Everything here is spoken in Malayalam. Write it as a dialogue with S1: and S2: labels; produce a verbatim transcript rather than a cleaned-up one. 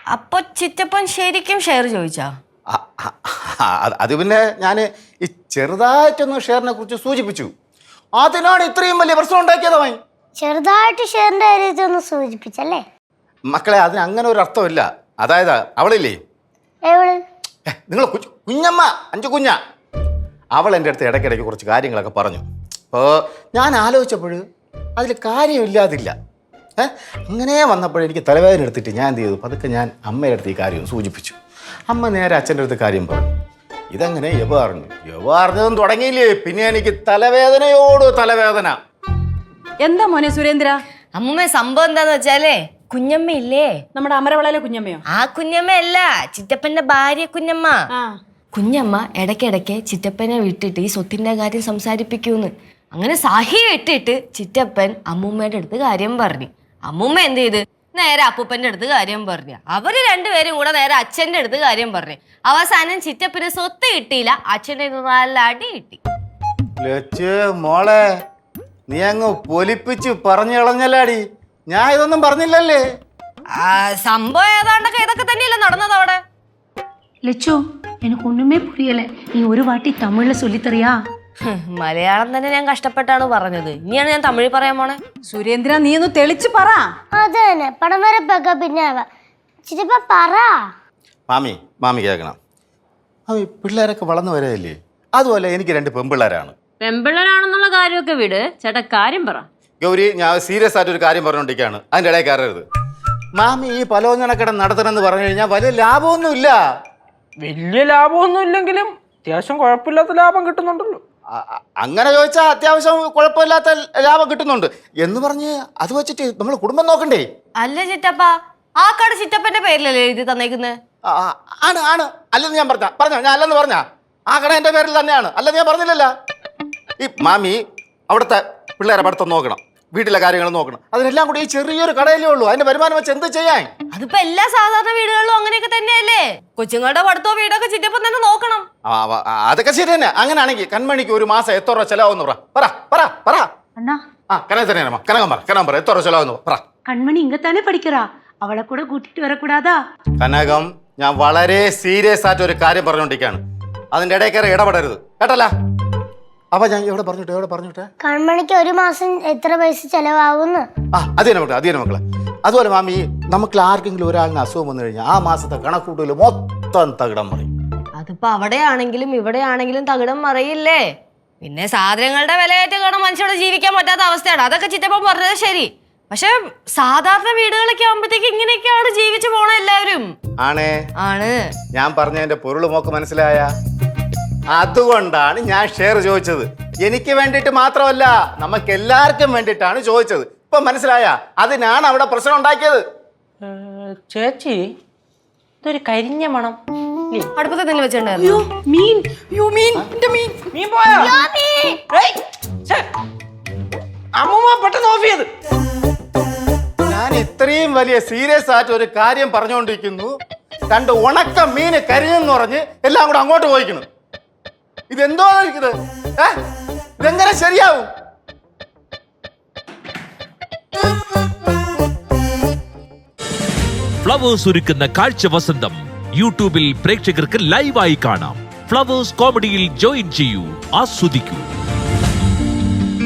S1: അപ്പൊ ചിറ്റപ്പൻ ശരിക്കും ഷെയർ ചോദിച്ചാ?
S2: അത് പിന്നെ ഞാൻ ഈ ചെറുതായിട്ടൊന്ന് ഷെയറിനെ കുറിച്ച് സൂചിപ്പിച്ചു. അതിനാണ് ഇത്രയും വലിയ പ്രശ്നം ഉണ്ടാക്കിയതായി.
S3: ചെറുതായിട്ട് ഷെയറിന്റെ കാര്യത്തൊന്ന് സൂചിപ്പിച്ചല്ലേ?
S2: മക്കളെ, അതിന് അങ്ങനെ ഒരു അർത്ഥമില്ല. അതായത് അവളില്ലേ, നിങ്ങൾ കുഞ്ഞമ്മ, അഞ്ചു കുഞ്ഞ, അവൾ എൻ്റെ അടുത്ത് ഇടയ്ക്കിടയ്ക്ക് കുറച്ച് കാര്യങ്ങളൊക്കെ പറഞ്ഞു. അപ്പോൾ ഞാൻ ആലോചിച്ചപ്പോൾ അതിൽ കാര്യമില്ലാതില്ല. ഏഹ് അങ്ങനെ വന്നപ്പോൾ എനിക്ക് തലവേദന എടുത്തിട്ട് ഞാൻ എന്ത് ചെയ്തു, പതുക്കെ ഞാൻ അമ്മയുടെ അടുത്ത് ഈ കാര്യം സൂചിപ്പിച്ചു. അമ്മ നേരെ അച്ഛൻ്റെ അടുത്ത് കാര്യം പറഞ്ഞു. ഇതങ്ങനെ യവ അറിഞ്ഞു. യവ അറിഞ്ഞതും തുടങ്ങിയില്ലേ, പിന്നെ എനിക്ക് തലവേദനയോട് തലവേദന.
S4: എന്താ മോനെ സുരേന്ദ്ര?
S1: അമ്മൂമ്മ സംഭവം എന്താന്ന് വെച്ചാലേ, കുഞ്ഞമ്മ ഇല്ലേ,
S4: നമ്മുടെ അമരവളയിലെ കുഞ്ഞമ്മയോ?
S1: ആ കുഞ്ഞമ്മ അല്ല, ചിറ്റപ്പന്റെ ഭാര്യ കുഞ്ഞമ്മ. കുഞ്ഞമ്മ ഇടയ്ക്കിടയ്ക്ക് ചിറ്റപ്പനെ വിട്ടിട്ട് ഈ സ്വത്തിന്റെ കാര്യം സംസാരിപ്പിക്കൂന്ന്. അങ്ങനെ സഹി ഇട്ടിട്ട് ചിറ്റപ്പൻ അമ്മൂമ്മയുടെ അടുത്ത് കാര്യം പറഞ്ഞു. അമ്മൂമ്മ എന്ത് ചെയ്ത് നേരെ അപ്പൂപ്പന്റെ അടുത്ത് കാര്യം പറഞ്ഞു. അവര് രണ്ടുപേരും കൂടെ നേരെ അച്ഛന്റെ അടുത്ത് കാര്യം പറഞ്ഞു. അവസാനം ചിറ്റപ്പന് സ്വത്ത് കിട്ടിയില്ല, അച്ഛൻ്റെ നല്ല അടി കിട്ടി.
S2: മോളെ, നീ അങ്ങ് പൊലിപ്പിച്ച് പറഞ്ഞു കളഞ്ഞല്ലാടി. ഞാൻ ഇതൊന്നും പറഞ്ഞില്ലല്ലേ.
S1: സംഭവം ഏതാണ്ടൊക്കെ ഇതൊക്കെ തന്നെയല്ലേ നടന്നത് അവിടെ.
S5: ലച്ചു, എനിക്ക് ഒന്നുമേ പുരിയല്ലേ. നീ ഒരു വാട്ടി തമിഴില് ചൊല്ലിത്തറിയാ?
S1: മലയാളം തന്നെ ഞാൻ കഷ്ടപ്പെട്ടാണ് പറഞ്ഞത്. ഇനിയാണ് ഞാൻ തമിഴ് പറയാൻ പോണേ.
S4: സുരേന്ദ്ര, നീ ഒന്ന് തെളിച്ച് പറ.
S3: അത് തന്നെ, പടം വരപ്പൊക്കെ പിന്നെ ചിറ്റപ്പ പറ.
S2: മാമി മാമി കേൾക്കണം. മാമി, പിള്ളേരൊക്കെ വളർന്നു വരല്ലേ. അതുപോലെ എനിക്ക് രണ്ട് പെൺപിള്ളേരാണ്.
S6: പെൺപിള്ളേരാണെന്നുള്ള കാര്യമൊക്കെ വിട്, ചേട്ടാ കാര്യം പറ.
S2: ഗൗരി, ഞാൻ സീരിയസ് ആയിട്ട് ഒരു കാര്യം പറഞ്ഞുകൊണ്ടിരിക്കുകയാണ്, അതിൻ്റെ ഇടയിൽ കയറരുത്. മാമി, ഈ പലോഞ്ഞനക്കട നടത്തണമെന്ന് പറഞ്ഞു കഴിഞ്ഞാൽ വലിയ ലാഭമൊന്നുമില്ല.
S7: വലിയ ലാഭമൊന്നും ഇല്ലെങ്കിലും അത്യാവശ്യം കുഴപ്പമില്ലാത്ത ലാഭം കിട്ടുന്നുണ്ടല്ലോ.
S2: അങ്ങനെ ചോദിച്ചാൽ അത്യാവശ്യം കുഴപ്പമില്ലാത്ത ലാഭം കിട്ടുന്നുണ്ട് എന്ന് പറഞ്ഞ് അത് വെച്ചിട്ട് നമ്മൾ കുടുംബം നോക്കണ്ടേ?
S1: അല്ല ചിറ്റപ്പ, ആ കട ചിറ്റപ്പന്റെ പേരിലല്ലേ എഴുതി തന്നേക്കുന്നത്?
S2: ആണ് ആണ് അല്ലെന്ന് ഞാൻ പറഞ്ഞ പറഞ്ഞോ ഞാൻ അല്ലെന്ന് പറഞ്ഞ ആ കട എൻ്റെ പേരിൽ തന്നെയാണ്, അല്ലെന്ന് ഞാൻ പറഞ്ഞില്ലല്ലോ. ഈ മാമി അവിടുത്തെ പിള്ളേരെ പഠിത്തം നോക്കണം, വീട്ടിലെ കാര്യങ്ങൾ നോക്കണം. അതിനെല്ലാം കൂടി ഈ ചെറിയൊരു കടയിലേ ഉള്ളൂ. അതിന്റെ വരുമാനം വെച്ച് എന്ത് ചെയ്യാൻ?
S1: അതിപ്പോ എല്ലാ സാധാരണ വീടുകളിലും അങ്ങനെയൊക്കെ തന്നെയല്ലേ. കൊച്ചുങ്ങളുടെ പഠിത്തവും വീടൊക്കെ ചിറ്റപ്പം തന്നെ നോക്കണം.
S2: അതൊക്കെ ശരി തന്നെ. അങ്ങനെയാണെങ്കിൽ കൺമണിക്ക് ഒരു മാസം എത്ര രൂപ ചെലവാന്ന് പറ പറ പറ പറ
S5: അണ്ണാ.
S2: ആ കനക തന്നെയാണ് കനകം പറ കനകം പറ എത്ര രൂപ ചെലവാന്ന് പറ.
S5: കൺമണി ഇങ്ങത്താനെ പഠിക്കറാ, അവളെ കൂടെ കൂട്ടിട്ട് വരക്കൂടാതാ?
S2: കനകം, ഞാൻ വളരെ സീരിയസ് ആയിട്ട് ഒരു കാര്യം പറഞ്ഞുകൊണ്ടിരിക്കുകയാണ്, അതിന്റെ ഇടയിൽ കയറി ഇടപെടരുത് കേട്ടല്ല. അപ്പൊ ഞാൻ എവിടെ പറഞ്ഞിട്ട് എവിടെ പറഞ്ഞിട്ട്
S3: കൺമണിക്ക് ഒരു മാസം എത്ര പൈസ ചെലവാകുന്നു?
S2: ആ അത് തന്നെ മക്കളെ, അത് തന്നെ മക്കളെ. അതുപോലെ മാമി, നമുക്ക് ആർക്കെങ്കിലും ഒരാളിന് അസുഖം വന്നു കഴിഞ്ഞാൽ ആ മാസത്തെ കണക്കൂട്ടൽ മൊത്തം തകിടം മറിയും.
S1: അതിപ്പോ അവിടെയാണെങ്കിലും ഇവിടെയാണെങ്കിലും തകിടം മറിയില്ലേ. പിന്നെ സാധനങ്ങളുടെ വിലയേറ്റ കാരണം മനുഷ്യരോട് ജീവിക്കാൻ പറ്റാത്ത അവസ്ഥയാണ്. അതൊക്കെ ചിറ്റപ്പം പറഞ്ഞത് ശരി. പക്ഷെ സാധാരണ വീടുകളൊക്കെ ആകുമ്പോഴത്തേക്ക് ഇങ്ങനെയൊക്കെയാണ് ജീവിച്ചു പോണ എല്ലാവരും.
S2: ആണേ
S1: ആണ്. ഞാൻ
S2: പറഞ്ഞതിന്റെ പൊരുൾ മോക്ക് മനസ്സിലായ? അതുകൊണ്ടാണ് ഞാൻ ഷെയർ ചോദിച്ചത്. എനിക്ക് വേണ്ടിയിട്ട് മാത്രമല്ല, നമുക്ക് എല്ലാവർക്കും വേണ്ടിയിട്ടാണ് ചോദിച്ചത്. ഇപ്പൊ മനസ്സിലായ? അതിനാണ് അവിടെ പ്രശ്നം ഉണ്ടാക്കിയത്.
S7: ചേച്ചി, ഇതൊരു കരിഞ്ഞ മണം.
S1: അടുപ്പത്തെ തന്നെ വെച്ചിട്ടുണ്ടായിരുന്നു.
S7: അമ്മൂമ്മ പെട്ടെന്ന് ഓഫ് ചെയ്ത്.
S2: ഞാൻ ഇത്രയും വലിയ സീരിയസ് ആയിട്ട് ഒരു കാര്യം പറഞ്ഞുകൊണ്ടിരിക്കുന്നു, രണ്ട് ഉണക്ക മീന് കരിഞ്ഞെന്ന് പറഞ്ഞ് എല്ലാം കൂടെ അങ്ങോട്ട് പോയിക്കുന്നു. ഇതെന്തോ ഇത് ഇതെങ്ങനെ ശരിയാവും?
S8: ഫ്ലവേഴ്സ് ഒരുക്കുന്ന കാഴ്ച വസന്തം യൂട്യൂബിൽ പ്രേക്ഷകർക്ക് ലൈവായി കാണാം. ഫ്ലവേഴ്സ് കോമഡിയിൽ ജോയിൻ ചെയ്യൂ, ആസ്വദിക്കൂ.